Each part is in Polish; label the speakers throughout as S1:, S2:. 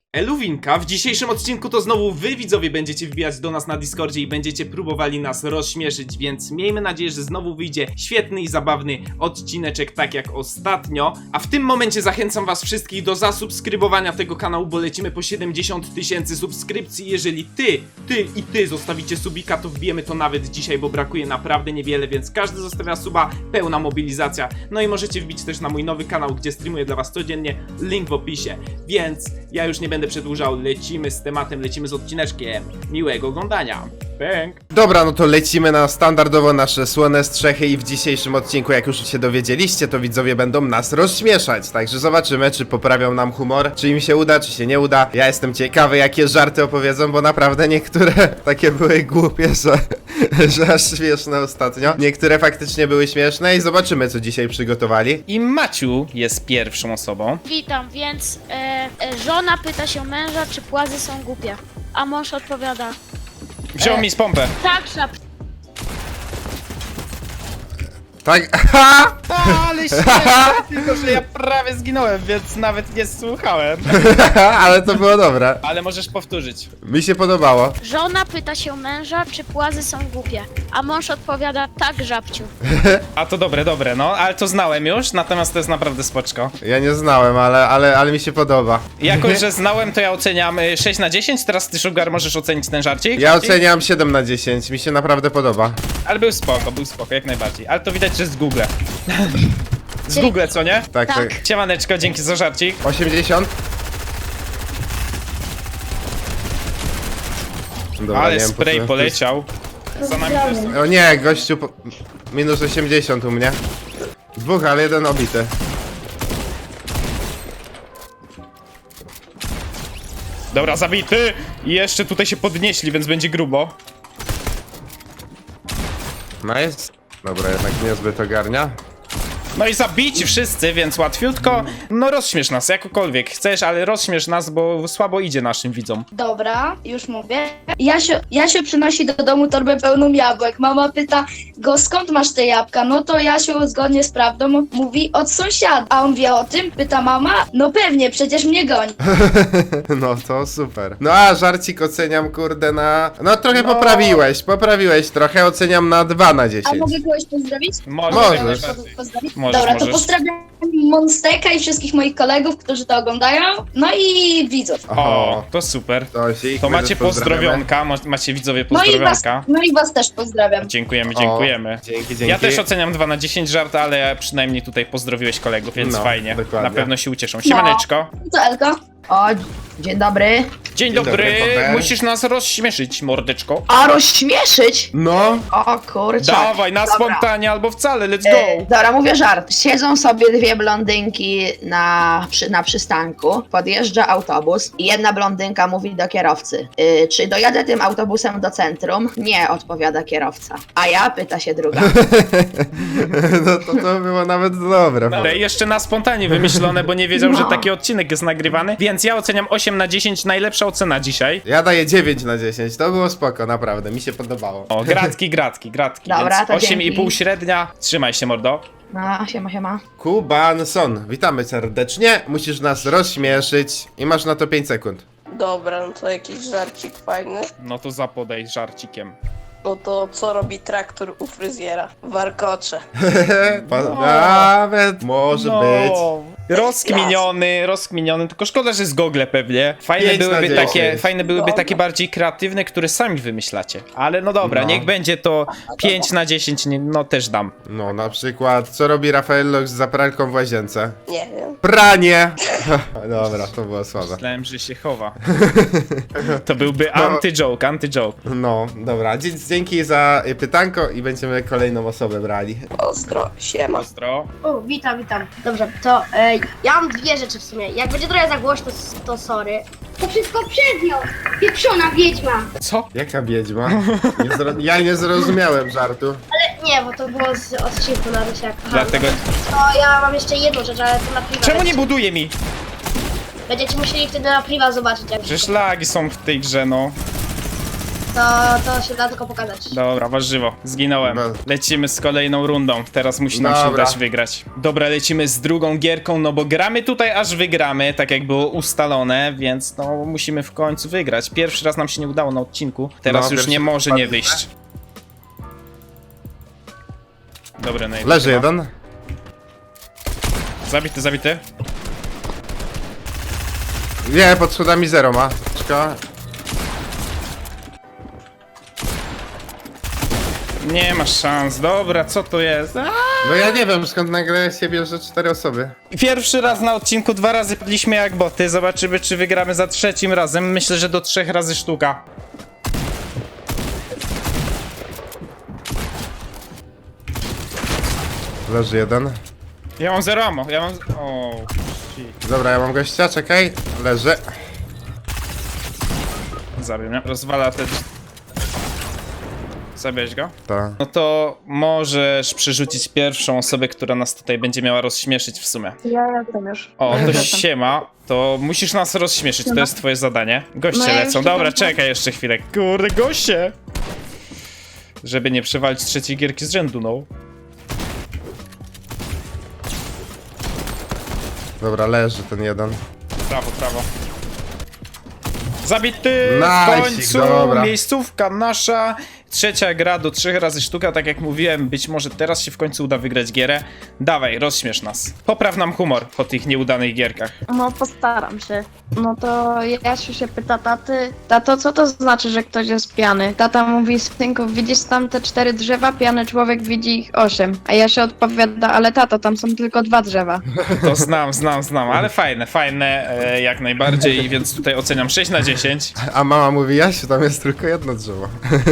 S1: Eluwinka, w dzisiejszym odcinku to znowu wy widzowie będziecie wbijać do nas na Discordzie i będziecie próbowali nas rozśmieszyć, więc miejmy nadzieję, że znowu wyjdzie świetny i zabawny odcineczek tak jak ostatnio. A w tym momencie zachęcam was wszystkich do zasubskrybowania tego kanału, bo lecimy po 70 000 subskrypcji. Jeżeli ty zostawicie subika, to wbijemy to nawet dzisiaj, bo brakuje naprawdę niewiele, więc każdy zostawia suba, pełna mobilizacja. No i możecie wbić też na mój nowy kanał, gdzie streamuję dla was codziennie, link w opisie. Więc ja już nie będę przedłużał, lecimy z tematem, lecimy z odcineczkiem. Miłego oglądania. Bang.
S2: Dobra, no to lecimy na standardowo nasze słone strzechy i w dzisiejszym odcinku, jak już się dowiedzieliście, to widzowie będą nas rozśmieszać. Także zobaczymy, czy poprawią nam humor, czy im się uda, czy się nie uda. Ja jestem ciekawy, jakie żarty opowiedzą, bo naprawdę niektóre takie były głupie, że aż śmieszne ostatnio. Niektóre faktycznie były śmieszne i zobaczymy, co dzisiaj przygotowali.
S3: I Maciu jest pierwszą osobą.
S4: Witam, więc żona pyta się męża, czy płazy są głupie. A mąż odpowiada:
S3: Wziął mi z pompę.
S4: tak, szap.
S2: Tak,
S3: Ale śmieszne, tylko że ja prawie zginąłem, więc nawet nie słuchałem.
S2: ale to było dobre.
S3: Ale możesz powtórzyć.
S2: Mi się podobało.
S4: Żona pyta się męża, czy płazy są głupie. A mąż odpowiada: tak, żabciu.
S3: A to dobre, no, ale to znałem już, natomiast to jest naprawdę spoczko.
S2: Ja nie znałem, ale mi się podoba.
S3: Jako, że znałem, to ja oceniam 6 na 10, teraz ty, Sugar, możesz ocenić ten żarcik?
S2: Ja oceniam 7 na 10, mi się naprawdę podoba.
S3: Ale był spoko, jak najbardziej. Ale to widać, że z Google. Z Google, co nie?
S2: Tak, tak.
S3: Siemaneczko, dzięki za żarcik.
S2: 80? Dobra,
S3: Ale
S2: nie wiem, po
S3: spray
S2: co-
S3: poleciał. Za nami też są.
S2: O nie, gościu, minus 80 u mnie. Dwóch, ale jeden obity.
S3: Dobra, zabity! I jeszcze tutaj się podnieśli, więc będzie grubo.
S2: Nice. Dobra, jednak niezbyt ogarnia.
S3: No i zabici wszyscy, więc łatwiutko. No rozśmiesz nas, jakokolwiek chcesz, ale rozśmiesz nas, bo słabo idzie naszym widzom.
S5: Dobra, już mówię. Jasio przynosi do domu torbę pełną jabłek. Mama pyta go, skąd masz te jabłka? No to Jasio zgodnie z prawdą mówi, od sąsiada. A on wie o tym? Pyta mama. No pewnie, przecież mnie goni.
S2: No to super. No a żarcik oceniam, kurde, na... No trochę
S3: No.
S2: poprawiłeś trochę, oceniam na 2 na 10.
S5: A mogę kogoś pozdrowić?
S3: Możesz.
S2: Możesz.
S5: Pozdrowić?
S3: Możesz,
S5: Dobra,
S3: możesz.
S5: to pozdrawiam Monsteka i wszystkich moich kolegów, którzy to oglądają. No i widzów.
S3: O, to super.
S2: Tosik,
S3: To
S2: my
S3: macie
S2: też pozdrawiamy.
S3: pozdrowionka, macie widzowie
S5: No
S3: pozdrowionka.
S5: i was też pozdrawiam.
S3: Dziękujemy.
S2: O, dzięki.
S3: Ja też oceniam 2 na 10 żart, ale przynajmniej tutaj pozdrowiłeś kolegów, więc
S2: No,
S3: fajnie.
S2: dokładnie.
S3: Na pewno się ucieszą. Siemaneczko.
S5: Co, Elko?
S6: O, dzień dobry.
S3: Dzień
S2: dobry,
S3: dobry.
S2: Paweł.
S3: Musisz nas rozśmieszyć, mordeczko.
S6: A rozśmieszyć?
S2: No,
S6: O kurczę.
S3: Dawaj, na
S6: Dobra.
S3: spontanie albo wcale, let's go.
S6: Dobra, mówię żart. Siedzą sobie dwie blondynki na przystanku, podjeżdża autobus i jedna blondynka mówi do kierowcy: czy dojadę tym autobusem do centrum? Nie, odpowiada kierowca. A ja, pyta się druga.
S2: no to było nawet dobre.
S3: Dobra, i jeszcze na spontanie wymyślone, bo nie wiedział, że taki odcinek jest nagrywany. Więc ja oceniam 8 na 10, najlepsza ocena dzisiaj.
S2: Ja daję 9 na 10, to było spoko, naprawdę, mi się podobało.
S3: O, gratki.
S6: Dobra,
S3: Więc
S6: to
S3: 8,5
S6: dzięki.
S3: średnia. Trzymaj się, mordo.
S6: No, siema.
S2: Kubanson, witamy serdecznie, musisz nas rozśmieszyć i masz na to 5 sekund.
S7: Dobra, no to jakiś żarcik fajny.
S3: No to zapodaj żarcikiem.
S7: No to co robi traktor u fryzjera? Warkocze.
S2: Nawet może
S3: No.
S2: być.
S3: Rozkminiony, tylko szkoda, że z Google pewnie. Fajne
S2: 5 na
S3: byłyby
S2: 10.
S3: takie,
S7: Dobra.
S3: bardziej kreatywne, które sami wymyślacie. Ale no dobra,
S2: No.
S3: niech będzie to 5 na 10, no też dam.
S2: No na przykład, co robi Rafael Lox za pralką w łazience?
S7: Nie wiem.
S2: Pranie! Dobra, to było słabe.
S3: Myślałem, że się chowa. To byłby anty-joke.
S2: No, dobra, dzięki za pytanko i będziemy kolejną osobę brali.
S7: Ostro, siema.
S3: Ostro.
S8: O, witam. Dobrze, to ja mam dwie rzeczy w sumie. Jak będzie trochę za głośno, to sorry. To wszystko przez nią! Pieprzona wiedźma!
S3: Co?
S2: Jaka wiedźma? Ja nie zrozumiałem żartu.
S8: Ale nie, bo to było z odcinku na Rusiak.
S3: Dlatego...
S8: To ja mam jeszcze jedną rzecz, ale to na priwa.
S3: Czemu nie buduje mi?
S8: Będziecie musieli wtedy na priwa zobaczyć, jak
S3: Przecież lagi są w tej grze, no.
S8: to się da tylko pokazać.
S3: Dobra, warzywo, zginąłem.
S2: No.
S3: Lecimy z kolejną rundą. Teraz musi nam się
S2: Dobra.
S3: udać wygrać. Dobra, lecimy z drugą gierką, no bo gramy tutaj aż wygramy, tak jak było ustalone, więc no musimy w końcu wygrać. Pierwszy raz nam się nie udało na odcinku, teraz
S2: No,
S3: już
S2: pierwszy
S3: nie może
S2: raz
S3: nie
S2: źle.
S3: wyjść. Dobry, Nate.
S2: Leży jeden.
S3: Zabity, zabity.
S2: Nie, pod schodami zero ma. Czeka.
S3: Nie masz szans, dobra, co to jest?
S2: No ja nie wiem skąd nagle się bierze 4 osoby.
S3: Pierwszy raz na odcinku, 2 razy padliśmy jak boty, zobaczymy czy wygramy za trzecim razem, myślę, że do 3 razy sztuka.
S2: Leży jeden.
S3: Ja mam 0 ammo, ja mam... O, shit.
S2: Dobra, ja mam gościa, czekaj. Leży.
S3: Zabił mnie, rozwala te... Zabierz go?
S2: To.
S3: No to możesz przerzucić pierwszą osobę, która nas tutaj będzie miała rozśmieszyć w sumie.
S9: Ja jestem już.
S3: O, to siema, to musisz nas rozśmieszyć, to jest twoje zadanie. Goście
S9: No ja
S3: lecą,
S9: już
S3: dobra,
S9: czekam.
S3: czekaj jeszcze chwilę. Kurde, goście! Żeby nie przewalić trzeciej gierki z rzędu, no.
S2: Dobra, leży ten jeden.
S3: Prawo, prawo. Zabity! W
S2: Nice,
S3: końcu!
S2: dobra.
S3: Miejscówka nasza. Trzecia gra do 3 razy sztuka, tak jak mówiłem, być może teraz się w końcu uda wygrać gierę. Dawaj, rozśmiesz nas. Popraw nam humor po tych nieudanych gierkach.
S9: No postaram się. No to Jasiu się pyta taty, tato, co to znaczy, że ktoś jest pijany? Tata mówi, synku, widzisz tam te 4 drzewa? Pijany człowiek widzi ich 8. A Jasiu odpowiada, ale tato, tam są tylko 2 drzewa.
S3: To znam, ale fajne, jak najbardziej, więc tutaj oceniam 6 na 10.
S2: A mama mówi, Jasiu, tam jest tylko jedno drzewo.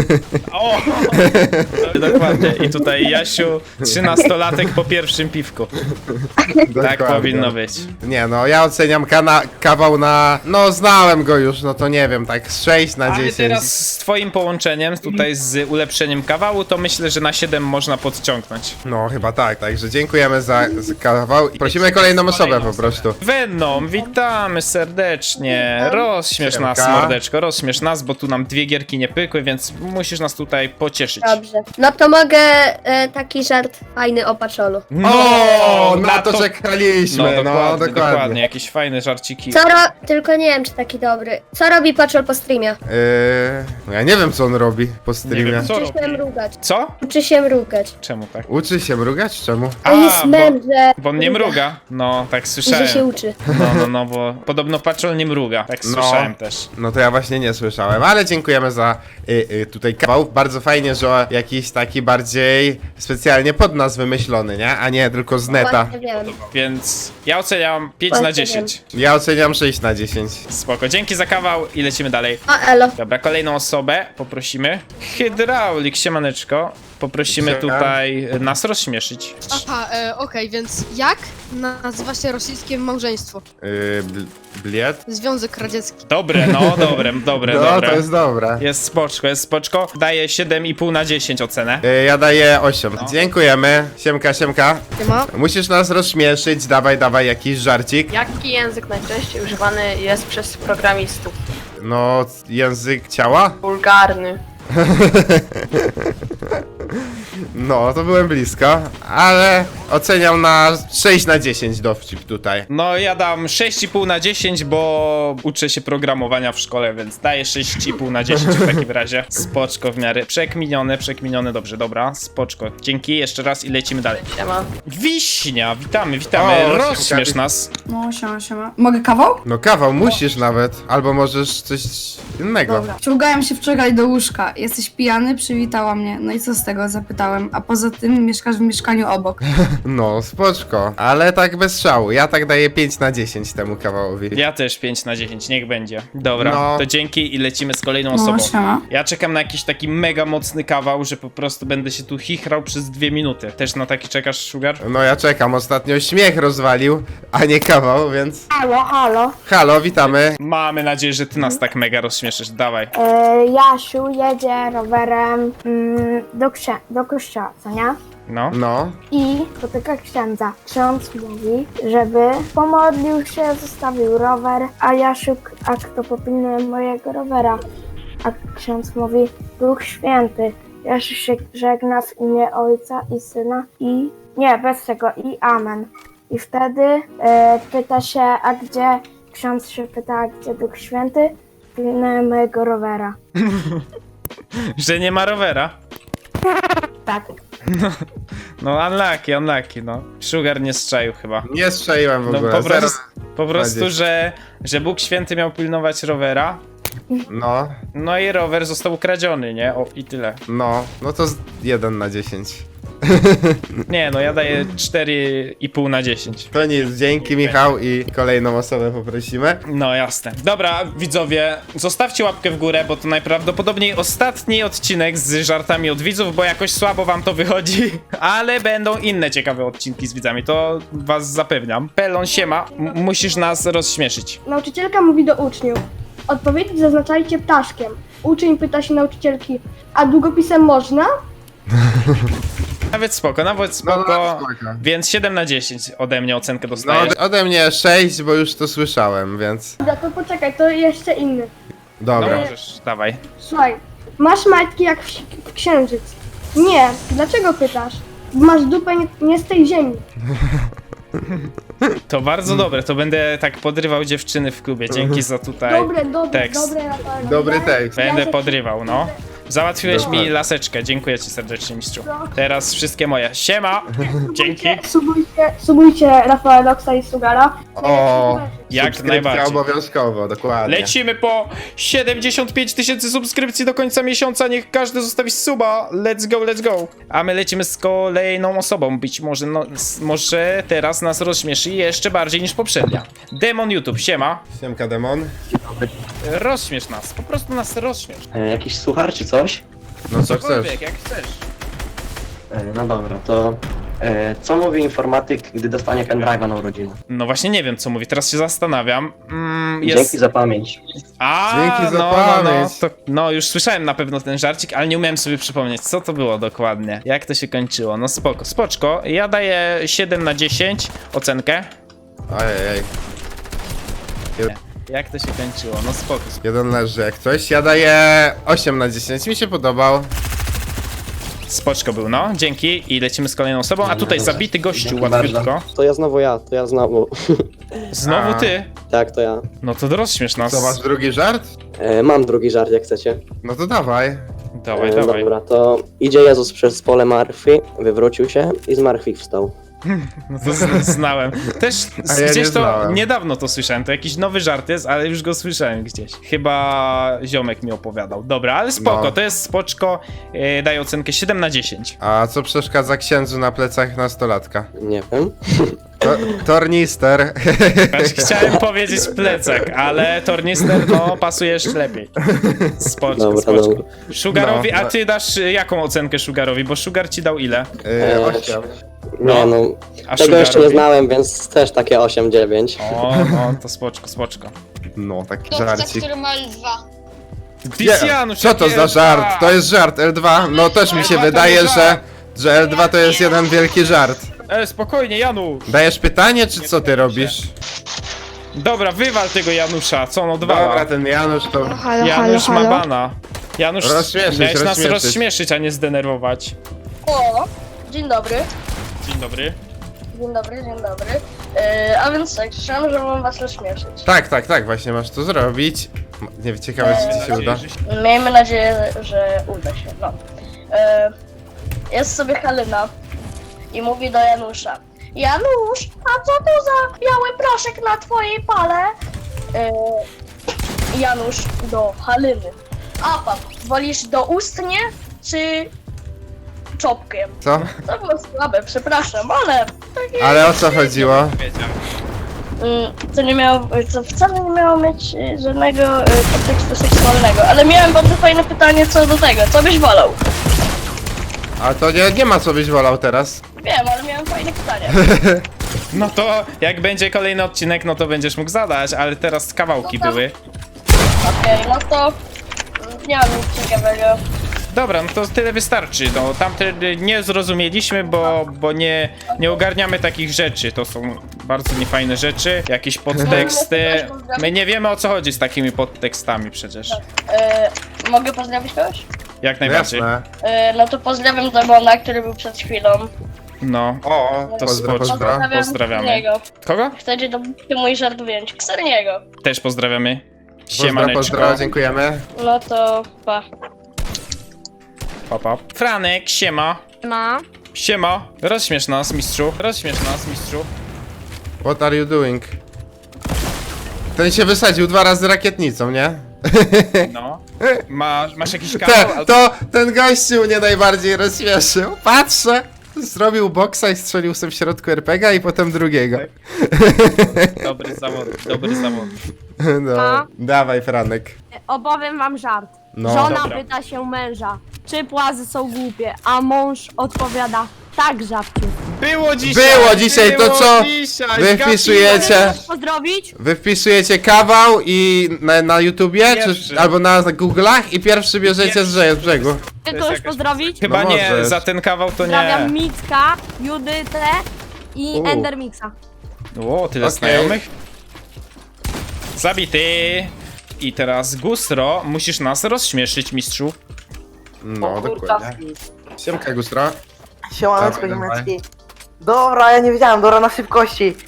S3: O! Dokładnie. I tutaj Jasiu, 13-latek po pierwszym piwku. Tak
S2: Dokładnie.
S3: powinno być.
S2: Nie no, ja oceniam kawał na... No znałem go już, no to nie wiem, tak z 6 na
S3: Ale
S2: 10.
S3: teraz z twoim połączeniem, tutaj z ulepszeniem kawału, to myślę, że na 7 można podciągnąć.
S2: No chyba tak, także dziękujemy za kawał i prosimy kolejną osobę po prostu.
S3: Venom, witamy serdecznie. Rozśmiesz nas,
S2: Siemka.
S3: mordeczko, rozśmiesz nas, bo tu nam 2 gierki nie pykły, więc musisz nas tutaj pocieszyć.
S8: Dobrze. No to mogę taki żart fajny o paczolu.
S2: O, na to czekaliśmy,
S3: No dokładnie, jakieś fajne żarciki.
S8: Tylko nie wiem, czy taki dobry. Co robi paczol po streamie?
S2: No ja nie wiem co on robi po
S3: Nie
S2: streamie.
S3: wiem, co
S8: Uczy się
S3: robi.
S8: mrugać.
S3: Co?
S8: Uczy się mrugać.
S3: Czemu tak?
S2: Uczy się mrugać? Czemu?
S8: A jest mędrze.
S3: Bo on nie mruga. No, tak
S8: I że się
S3: słyszałem.
S8: uczy.
S3: No, bo podobno paczol nie mruga. Tak
S2: No.
S3: słyszałem też.
S2: No to ja właśnie nie słyszałem, ale dziękujemy za tutaj kawał. Bardzo fajnie, że jakiś taki bardziej specjalnie pod nas wymyślony, nie? A nie tylko z neta.
S8: Właśnie wiem.
S3: Więc ja oceniam 5 na
S8: Właśnie
S3: 10.
S2: Ja oceniam 6 na 10.
S3: Spoko, dzięki za kawał i lecimy dalej.
S8: O, elo.
S3: Dobra, kolejną osobę poprosimy. Hydraulik, siemaneczko. Poprosimy
S2: Siema.
S3: tutaj nas rozśmieszyć.
S10: Aha, okej, więc jak nazywa się rosyjskie małżeństwo?
S2: Bliet?
S10: Związek Radziecki.
S3: Dobre, no, dobre.
S2: No, to jest dobre.
S3: Jest spoczko. Daję 7,5 na 10 ocenę.
S2: Ja daję 8. Dziękujemy. Siemka, siemka.
S10: Siema.
S2: Musisz nas rozśmieszyć, dawaj jakiś żarcik.
S9: Jaki język najczęściej używany jest przez programistów?
S2: No, język ciała?
S9: Wulgarny.
S2: No, to byłem blisko, ale oceniam na 6 na 10 dowcip tutaj.
S3: No, ja dam 6,5 na 10, bo uczę się programowania w szkole, więc daję 6,5 na 10 w takim razie. Spoczko w miarę. Przekminione, dobrze, dobra, spoczko. Dzięki, jeszcze raz i lecimy dalej.
S9: Siema.
S3: Wiśnia, witamy.
S2: O,
S3: Rozśmiesz
S2: siemka.
S3: nas.
S11: No, siema. Mogę kawał?
S2: No kawał, musisz nawet, albo możesz coś innego.
S11: Dobra. Ciągałem się wczoraj do łóżka. Jesteś pijany? Przywitała mnie. No i co z tego? Zapytałem. A poza tym mieszkasz w mieszkaniu obok.
S2: No, spoczko, ale tak bez szału. Ja tak daję 5 na 10 temu kawałowi.
S3: Ja też 5 na 10, niech będzie. Dobra,
S2: No.
S3: to dzięki i lecimy z kolejną
S11: No,
S3: osobą.
S11: siema.
S3: Ja czekam na jakiś taki mega mocny kawał, że po prostu będę się tu chichrał przez 2 minuty. Też na taki czekasz, Sugar?
S2: No ja czekam, ostatnio śmiech rozwalił, a nie kawał, więc...
S8: Halo.
S2: Halo, witamy.
S3: Mamy nadzieję, że ty nas tak mega rozśmieszysz. Dawaj.
S8: Jasiu jedzie rowerem do kościoła, co nie?
S3: No.
S2: No,
S8: I spotyka księdza. Ksiądz mówi, żeby pomodlił się, zostawił rower, a Jasiu, a kto popilnuje mojego rowera? A ksiądz mówi, Duch Święty. Jezus się żegna w imię Ojca i Syna i... Nie, bez tego, i Amen. I wtedy pyta się, a gdzie... Ksiądz się pyta, a gdzie Duch Święty? Pilnuje mojego rowera.
S3: Że nie ma rowera.
S8: Tak.
S3: No unlucky, no. Sugar nie strzaił chyba.
S2: Nie strzeliłem w
S3: No
S2: ogóle.
S3: po prostu,
S2: Zero.
S3: że Bóg Święty miał pilnować rowera.
S2: No,
S3: No i rower został ukradziony, nie? O, i tyle.
S2: no to 1 na 10.
S3: Nie, no ja daję 4,5 na 10.
S2: To nic, dzięki Michał i kolejną osobę poprosimy.
S3: No jasne. Dobra, widzowie, zostawcie łapkę w górę, bo to najprawdopodobniej ostatni odcinek z żartami od widzów, bo jakoś słabo wam to wychodzi, ale będą inne ciekawe odcinki z widzami, to was zapewniam. Pelon, siema, musisz nas rozśmieszyć.
S8: Nauczycielka mówi do uczniów. Odpowiedzi zaznaczajcie ptaszkiem. Uczeń pyta się nauczycielki, a długopisem można?
S3: Nawet spoko,
S2: No, spoko.
S3: Więc 7 na 10 ode mnie ocenkę
S2: No,
S3: dostajesz.
S2: ode mnie 6, bo już to słyszałem, więc...
S8: Dobra, to poczekaj, to jeszcze inny.
S3: No
S2: Dobra.
S3: możesz, dawaj.
S8: Słuchaj, masz majtki jak w księżyc. Nie, dlaczego pytasz? Masz dupę nie z tej ziemi.
S3: To bardzo dobre, to będę tak podrywał dziewczyny w klubie, dzięki za tutaj
S8: Dobre,
S3: tekst.
S8: Rafael.
S2: Dobry tekst.
S3: Będę podrywał, no. Załatwiłeś mi
S2: Dokładnie.
S3: laseczkę, dziękuję ci serdecznie, mistrzu. Teraz wszystkie moje. Siema! Dzięki!
S8: Subujcie Rafaela Loxa i Sugara.
S2: O,
S3: Jak
S2: subskrypcja
S3: najbardziej.
S2: obowiązkowo, dokładnie.
S3: Lecimy po 75 000 subskrypcji do końca miesiąca, niech każdy zostawi suba. Let's go, let's go. A my lecimy z kolejną osobą, być może, no, może teraz nas rozśmieszy jeszcze bardziej niż poprzednia. Demon YouTube, siema.
S2: Siemka Demon.
S3: Rozśmiesz nas, po prostu nas rozśmiesz.
S12: Jakiś suchar czy coś?
S2: No co chcesz?
S3: Cokolwiek, jak chcesz.
S12: No dobra, to co mówi informatyk, gdy dostanie pendrive'a na urodziny?
S3: No właśnie nie wiem co mówi, teraz się zastanawiam. Jest...
S12: Dzięki za pamięć.
S3: A,
S2: Dzięki za
S3: no,
S2: pamięć.
S3: no, już słyszałem na pewno ten żarcik, ale nie umiałem sobie przypomnieć, co to było dokładnie. Jak to się kończyło? No spoko, spoczko. Ja daję 7 na 10 ocenkę.
S2: Ojej.
S3: Jak to się kończyło? No spoko.
S2: Jeden leży jak coś. Ja daję 8 na 10. Mi się podobał.
S3: Spoczko był, no. Dzięki i lecimy z kolejną osobą. A tutaj zabity gościu,
S12: Dzięki
S3: łatwiutko.
S12: bardzo. To ja znowu.
S3: Znowu ty?
S12: Tak, to ja.
S3: No to rozśmiesz nas.
S2: Co, masz drugi żart?
S12: Mam drugi żart, jak chcecie.
S2: No to dawaj.
S3: Dawaj, dawaj.
S12: Dobra, to idzie Jezus przez pole martwy, wywrócił się i zmartwychwstał.
S3: No to znałem. Też
S2: A ja
S3: gdzieś
S2: nie
S3: to
S2: znałem.
S3: niedawno to słyszałem. To jakiś nowy żart jest, ale już go słyszałem gdzieś. Chyba ziomek mi opowiadał. Dobra, ale spoko,
S2: No.
S3: to jest spoczko. Daję ocenkę 7 na 10.
S2: A co przeszkadza księdzu na plecach nastolatka?
S12: Nie wiem.
S2: Tornister.
S3: Znaczy, chciałem powiedzieć plecak, ale tornister no pasuje jeszcze lepiej. Spoczko,
S12: Dobra,
S3: spoczko.
S12: dobra.
S3: Sugarowi,
S2: No,
S3: a ty dasz jaką ocenkę Sugarowi? Bo Sugar ci dał ile?
S2: 8.
S12: Nie no,
S3: A
S12: tego jeszcze nie
S3: Sugarowi?
S12: znałem, więc też takie 8-9.
S3: O, no to spoczko, spoczko.
S2: No, taki żarcik.
S4: ma L2.
S3: Pisjanusz,
S2: Co to
S3: jakie
S2: za
S3: L2?
S2: żart? To jest żart L2? No też mi się
S3: L2 to
S2: wydaje,
S3: nie
S2: że L2 to jest jeden wielki żart.
S3: Spokojnie, Janusz.
S2: Dajesz pytanie, czy co ty robisz?
S3: Dobra, wywal tego Janusza, co on odwala?
S2: Dobra, ten Janusz to...
S3: Janusz ma bana. Janusz,
S2: Rozśmieszyć,
S3: miałeś nas
S2: rozśmieszyć.
S3: rozśmieszyć, a nie zdenerwować.
S5: O, dzień dobry.
S3: Dzień dobry.
S5: Dzień dobry, dzień dobry. A więc tak, słyszałem, że mam was rozśmieszyć.
S2: Tak, właśnie masz to zrobić. Nie wiem, ciekawe, czy ci się uda.
S5: Miejmy nadzieję, że uda się, no. Jest sobie Halina i mówi do Janusza. Janusz, a co to za biały proszek na twojej pale? Janusz do Haliny. A pan, wolisz doustnie czy czopkiem?
S2: Co?
S5: To było słabe, przepraszam, ale...
S2: Ale o co chodziło?
S5: To nie miało, to wcale nie miało mieć żadnego kontekstu seksualnego, ale miałem bardzo fajne pytanie co do tego, co byś wolał?
S2: A to nie ma co byś wolał teraz.
S5: Wiem, ale miałem fajne pytanie.
S3: No to jak będzie kolejny odcinek, no to będziesz mógł zadać, ale teraz kawałki
S5: No to-
S3: były.
S5: Okej, no to nie mam nic ciekawego.
S3: Dobra, no to tyle wystarczy. No, tamte nie zrozumieliśmy, bo nie ogarniamy takich rzeczy. To są bardzo niefajne rzeczy, jakieś podteksty. My nie wiemy, o co chodzi z takimi podtekstami przecież.
S7: Mogę pozdrowić kogoś?
S3: Jak najbardziej.
S2: Jasne.
S7: No to pozdrawiam Demona, który był przed chwilą.
S3: No,
S2: O,
S3: to
S2: pozdro.
S3: pozdrawiamy.
S7: Ksarniego.
S3: Kogo?
S7: Chcecie to mój żart wyjąć? Ksarniego.
S3: Też pozdrawiamy.
S2: Pozdro,
S3: Siemaneczko.
S2: dziękujemy.
S7: No to pa.
S3: Pa, pa. Franek, siema.
S10: Ma.
S3: Siema. Rozśmiesz nas, mistrzu. Rozśmiesz nas, mistrzu.
S2: What are you doing? Ten się wysadził 2 razy rakietnicą, nie?
S3: No. Masz jakiś kanał?
S2: Ten gościu mnie najbardziej rozśmieszył. Patrzę! Zrobił boksa i strzelił sobie w środku RPG i potem drugiego.
S3: Dobry zawód, dobry zawód.
S2: No, dawaj Franek.
S8: Opowiem wam żart.
S2: No.
S8: Żona
S3: Dobra.
S8: pyta się męża, czy płazy są głupie, a mąż odpowiada, tak, żabciu.
S3: Było dzisiaj!
S2: To co?
S3: Dzisiaj,
S2: Wy wpisujecie,
S8: Pozdrowić?
S2: kawał i na YouTubie,
S3: Pierwszy.
S2: czy albo na Google'ach i pierwszy bierzecie z brzegu.
S8: Ty
S3: jest
S8: kogoś
S3: jakaś-
S8: pozdrowić?
S3: Chyba
S2: No
S3: nie,
S2: możesz.
S3: za ten kawał to nie.
S8: Pozdrawiam Micka, Judytę i
S2: U.
S8: Endermixa.
S3: O, tyle
S2: Okej.
S3: znajomych. Zabity. I teraz Gustro, musisz nas rozśmieszyć, mistrzu.
S2: No, dokładnie. Siemka Gustra.
S13: Siemaneczko,
S2: Dawaj,
S13: ziomeczki. Dobra, ja nie wiedziałem, dobra, na szybkości.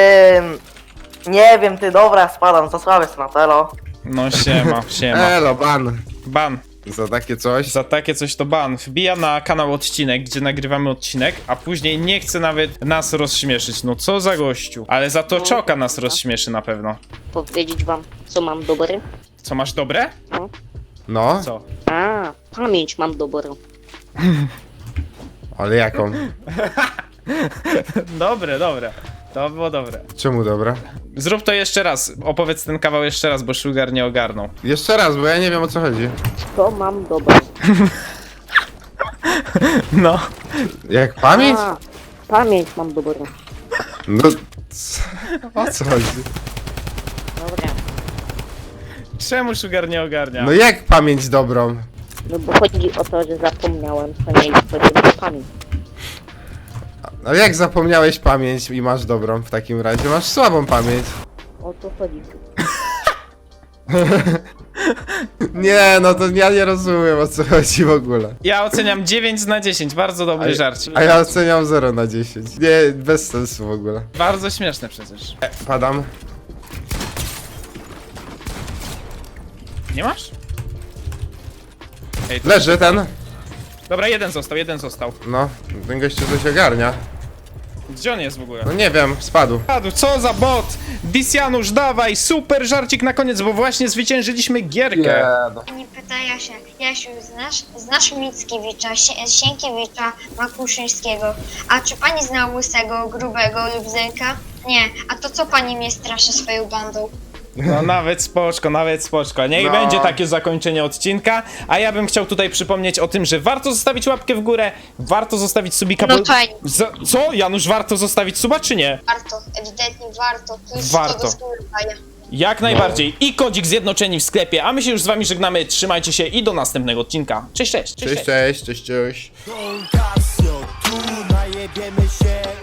S13: Nie wiem, ty, dobra, spadam, za słaby jestem na telo.
S3: No siema, siema.
S2: Elo, ban.
S3: Ban.
S2: Za takie coś.
S3: Za takie coś to ban. Wbija na kanał odcinek, gdzie nagrywamy odcinek, a później nie chce nawet nas rozśmieszyć. No co za gościu. Ale za to Czoka nas rozśmieszy na pewno.
S7: Powiedzieć wam, co mam dobre?
S3: Co masz dobre?
S2: No,
S3: Co?
S7: A, pamięć mam dobrą.
S2: ale jaką?
S3: Dobre, dobre. To było dobre.
S2: Czemu dobra?
S3: Zrób to jeszcze raz. Opowiedz ten kawał jeszcze raz, bo Sugar nie ogarnął.
S2: Jeszcze raz, bo ja nie wiem o co chodzi.
S7: To mam dobre.
S3: No.
S2: Jak pamięć?
S7: Pamięć mam dobrą.
S2: No, o co chodzi?
S7: Dobra.
S3: Czemu Sugar nie ogarnia?
S2: No jak pamięć dobrą?
S7: No bo chodzi o to, że zapomniałem, to nie jest to pamięć.
S2: Ale jak zapomniałeś pamięć i masz dobrą w takim razie? Masz słabą pamięć.
S7: O to chodzi.
S2: Nie, no to ja nie rozumiem o co chodzi w ogóle.
S3: Ja oceniam 9 na 10. Bardzo dobry żarcik.
S2: A ja oceniam 0 na 10. Nie, bez sensu w ogóle.
S3: Bardzo śmieszne przecież.
S2: Padam.
S3: Nie masz? Ej, to...
S2: Leży ten.
S3: Dobra, jeden został.
S2: No, ten gościu coś ogarnia.
S3: Gdzie on jest w ogóle?
S2: No nie wiem, spadł.
S3: Co za bot! Disjanusz, dawaj! Super żarcik na koniec, bo właśnie zwyciężyliśmy gierkę.
S8: Nie pyta Jasia. Jasiu, znasz Mickiewicza, Sienkiewicza, Makuszyńskiego. A czy pani zna Łysego, Grubego lub Zenka? Nie. A to co pani mnie straszy swoją bandą?
S3: No nawet spoczko, nawet spoczko. Niech
S2: No.
S3: będzie takie zakończenie odcinka. A ja bym chciał tutaj przypomnieć o tym, że warto zostawić łapkę w górę, warto zostawić subika.
S8: No
S3: bo-
S8: fajnie.
S3: Co? Janusz, warto zostawić suba, czy nie?
S8: Warto, ewidentnie warto. To jest
S3: Warto.
S8: daje.
S3: Jak najbardziej. I kodzik zjednoczeni w sklepie. A my się już z wami żegnamy. Trzymajcie się i do następnego odcinka. Cześć, cześć.
S2: Cześć, cześć, cześć, cześć.
S14: Tu najebiemy się